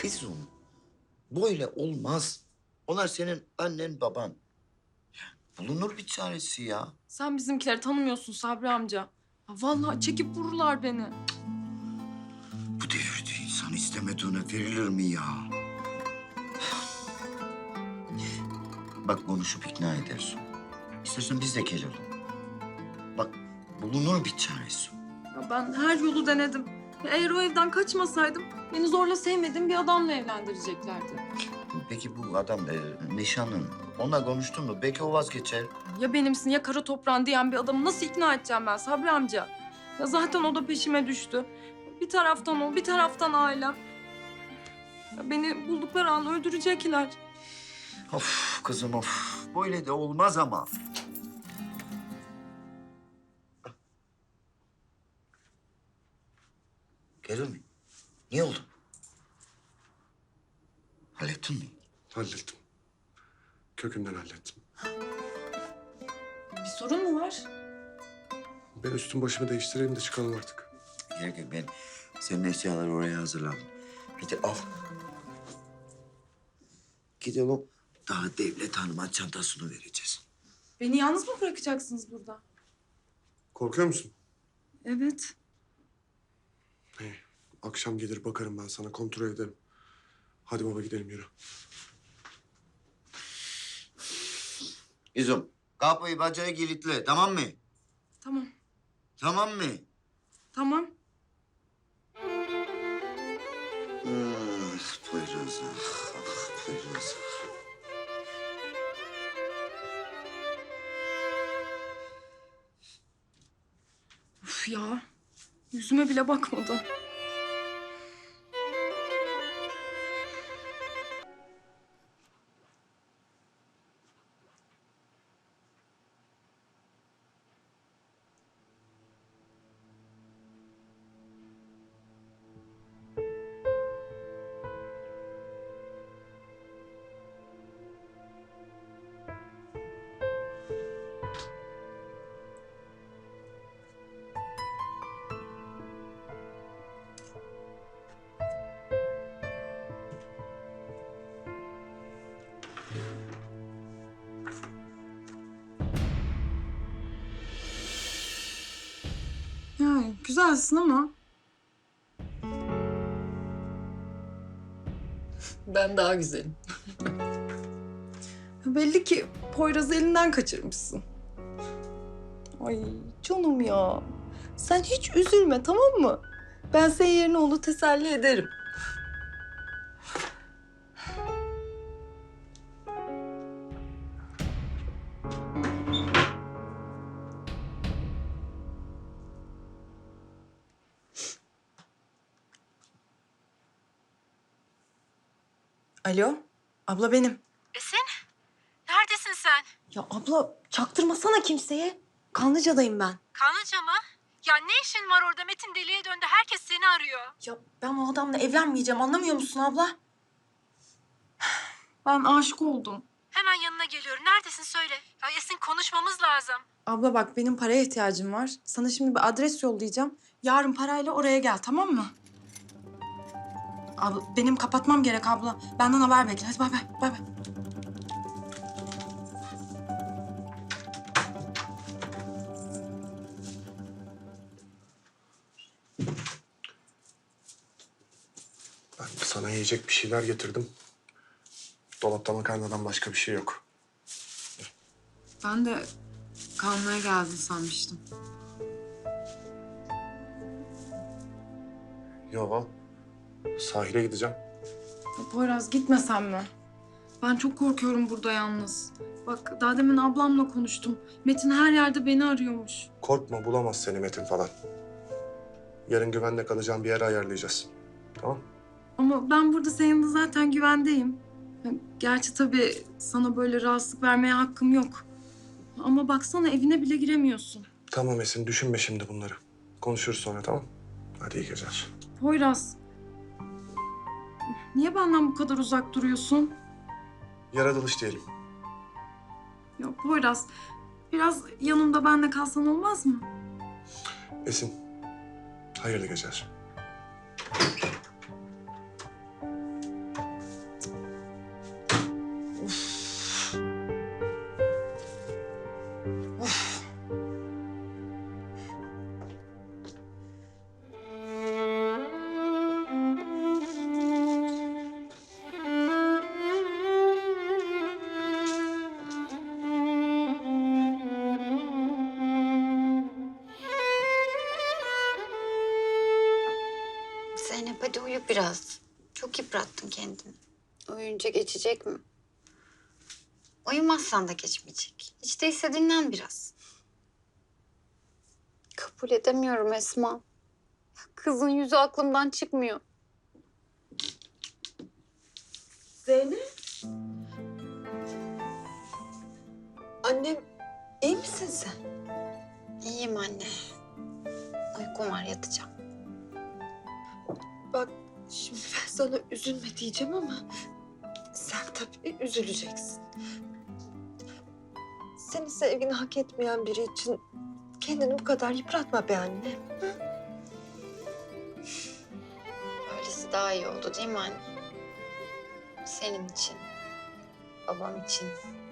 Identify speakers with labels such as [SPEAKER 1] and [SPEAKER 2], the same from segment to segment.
[SPEAKER 1] İzum, böyle olmaz. Onlar senin annen baban. Bulunur bir çaresi ya.
[SPEAKER 2] Sen bizimkileri tanımıyorsun Sabri amca. Ya vallahi çekip vururlar beni.
[SPEAKER 1] Bu devirde insan istemediğine verilir mi ya? Bak konuşup ikna edersin. İstersen biz de gelelim. Bak bulunur bir çaresi.
[SPEAKER 2] Ya ben her yolu denedim. Ya eğer o evden kaçmasaydım beni zorla sevmediğim bir adamla evlendireceklerdi.
[SPEAKER 1] Peki bu adam nişanlın. Onunla konuştun mu? Belki o vazgeçer.
[SPEAKER 2] Ya benimsin ya kara toprağın diyen bir adamı nasıl ikna edeceğim ben Sabri amca? Ya zaten o da peşime düştü. Bir taraftan o, bir taraftan ailem. Ya beni buldukları an öldürecekler.
[SPEAKER 1] Of kızım of. Böyle de olmaz ama. Gelir mi? Niye oldu? Hallettin mi?
[SPEAKER 3] Hallettim. Kökünden hallettim.
[SPEAKER 2] Bir sorun mu var?
[SPEAKER 3] Ben üstüm başımı değiştireyim de çıkalım artık.
[SPEAKER 1] Gerek yok. Ben senin eşyaları oraya hazırladım. Hadi al. Gidelim. Daha devlet hanıma çantasını vereceğiz.
[SPEAKER 2] Beni yalnız mı bırakacaksınız burada?
[SPEAKER 3] Korkuyor musun?
[SPEAKER 2] Evet.
[SPEAKER 3] İyi. Akşam gelir bakarım ben sana, kontrol ederim. Hadi baba gidelim, yürü.
[SPEAKER 1] İzum, kapıyı bacağı kilitle, tamam mı?
[SPEAKER 2] Tamam.
[SPEAKER 1] Tamam mı?
[SPEAKER 2] Tamam.
[SPEAKER 1] Poyraz, Poyraz.
[SPEAKER 2] Uf ya. Yüzüme bile bakmadı. Yani güzelsin ama.
[SPEAKER 4] Ben daha güzelim.
[SPEAKER 2] Belli ki Poyraz'ı elinden kaçırmışsın. Ay canım ya. Sen hiç üzülme tamam mı? Ben senin yerine onu teselli ederim. Alo, abla benim.
[SPEAKER 5] Esin, neredesin sen?
[SPEAKER 2] Ya abla çaktırmasana kimseye. Kanlıca'dayım ben.
[SPEAKER 5] Kanlıca mı? Ya ne işin var orada? Metin deliye döndü. Herkes seni arıyor.
[SPEAKER 2] Ya ben o adamla evlenmeyeceğim anlamıyor musun abla? Ben aşık oldum.
[SPEAKER 5] Hemen yanına geliyorum. Neredesin söyle. Ya Esin konuşmamız lazım.
[SPEAKER 2] Abla bak benim paraya ihtiyacım var. Sana şimdi bir adres yollayacağım. Yarın parayla oraya gel tamam mı? Abla benim kapatmam gerek abla. Benden haber bekle. Hadi bay bay. Bay bay.
[SPEAKER 3] Ben sana yiyecek bir şeyler getirdim. Dolapta makarnadan başka bir şey yok.
[SPEAKER 2] Ben de kalmaya geldin sanmıştım.
[SPEAKER 3] Yo, sahile gideceğim.
[SPEAKER 2] Ya Poyraz gitmesen mi? Ben çok korkuyorum burada yalnız. Bak daha demin ablamla konuştum. Metin her yerde beni arıyormuş.
[SPEAKER 3] Korkma, bulamaz seni Metin falan. Yarın güvenle kalacağım bir yer ayarlayacağız. Tamam?
[SPEAKER 2] Ama ben burada senin yanında zaten güvendeyim. Ya, gerçi tabii sana böyle rahatsızlık vermeye hakkım yok. Ama baksana evine bile giremiyorsun.
[SPEAKER 3] Tamam Esin, düşünme şimdi bunları. Konuşuruz sonra, tamam? Hadi iyi geceler.
[SPEAKER 2] Poyraz. Niye benden bu kadar uzak duruyorsun?
[SPEAKER 3] Yaratılış diyelim.
[SPEAKER 2] Ya Poyraz, biraz yanımda benle kalsan olmaz mı?
[SPEAKER 3] Esin, hayırlı geceler.
[SPEAKER 6] biraz. Çok yıprattın kendini. Uyuyunca geçecek mi? Uyumazsan da geçmeyecek. Hiç değilse dinlen biraz. Kabul edemiyorum Esma. Kızın yüzü aklımdan çıkmıyor.
[SPEAKER 7] Zeynep. Annem, iyi misin sen?
[SPEAKER 6] İyiyim anne. Uykum var, yatacağım.
[SPEAKER 7] Bak şimdi ben sana üzülme diyeceğim ama sen tabii üzüleceksin. Senin sevgini hak etmeyen biri için kendini bu kadar yıpratma be anne.
[SPEAKER 6] Öylesi daha iyi oldu değil mi anne? Senin için, babam için.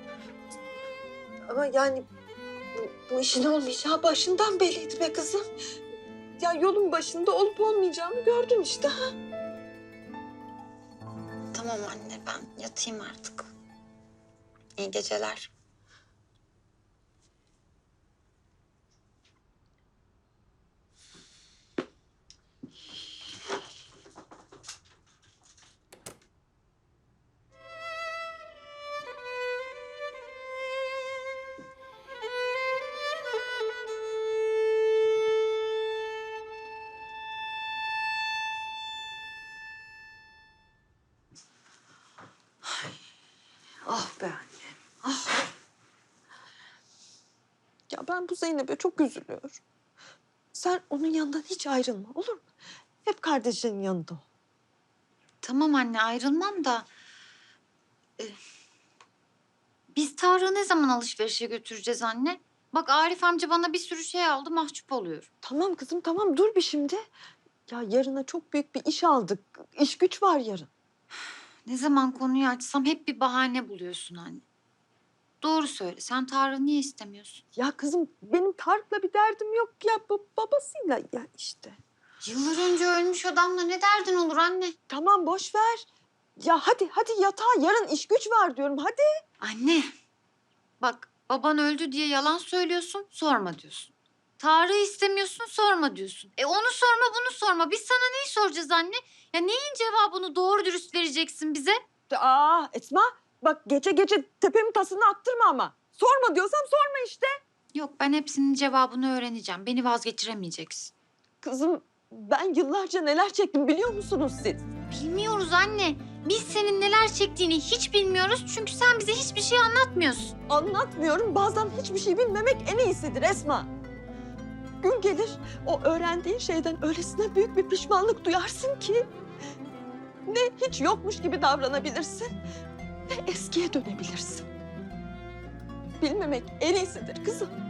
[SPEAKER 7] Ama yani bu işin olmayacağı başından belliydi be kızım. Ya yolun başında olup olmayacağını gördün işte ha.
[SPEAKER 6] Tamam anne, ben yatayım artık. İyi geceler.
[SPEAKER 7] Ah be anne. Ah. Ya ben bu Zeynep'e çok üzülüyorum. Sen onun yanından hiç ayrılma olur mu? Hep kardeşinin yanında ol.
[SPEAKER 6] Tamam anne, ayrılmam da... biz Tarık'ı ne zaman alışverişe götüreceğiz anne? Bak Arif amca bana bir sürü şey aldı, mahcup oluyorum.
[SPEAKER 7] Tamam kızım tamam dur bir şimdi. Ya yarına çok büyük bir iş aldık. İş güç var yarın.
[SPEAKER 6] Ne zaman konuyu açsam hep bir bahane buluyorsun anne. Doğru söyle, sen Tarık'ı niye istemiyorsun?
[SPEAKER 7] Ya kızım benim Tarık'la bir derdim yok ya babasıyla ya işte.
[SPEAKER 6] Yıllar önce ölmüş adamla ne derdin olur anne?
[SPEAKER 7] Tamam boş ver. Ya hadi yatağa yarın iş güç var diyorum hadi.
[SPEAKER 6] Anne, bak baban öldü diye yalan söylüyorsun, sorma diyorsun. Tarık'ı istemiyorsun, sorma diyorsun. Onu sorma, bunu sorma. Biz sana neyi soracağız anne? Ya neyin cevabını doğru dürüst vereceksin bize?
[SPEAKER 7] Aa Esma bak gece tepemin tasını attırma ama. Sorma diyorsam sorma işte.
[SPEAKER 6] Yok, ben hepsinin cevabını öğreneceğim. Beni vazgeçiremeyeceksin.
[SPEAKER 7] Kızım ben yıllarca neler çektim biliyor musunuz siz?
[SPEAKER 6] Bilmiyoruz anne. Biz senin neler çektiğini hiç bilmiyoruz. Çünkü sen bize hiçbir şey anlatmıyorsun.
[SPEAKER 7] Anlatmıyorum bazen hiçbir şey bilmemek en iyisidir Esma. Gün gelir o öğrendiğin şeyden öylesine büyük bir pişmanlık duyarsın ki... ...ne hiç yokmuş gibi davranabilirsin ne eskiye dönebilirsin. Bilmemek en iyisidir kızım.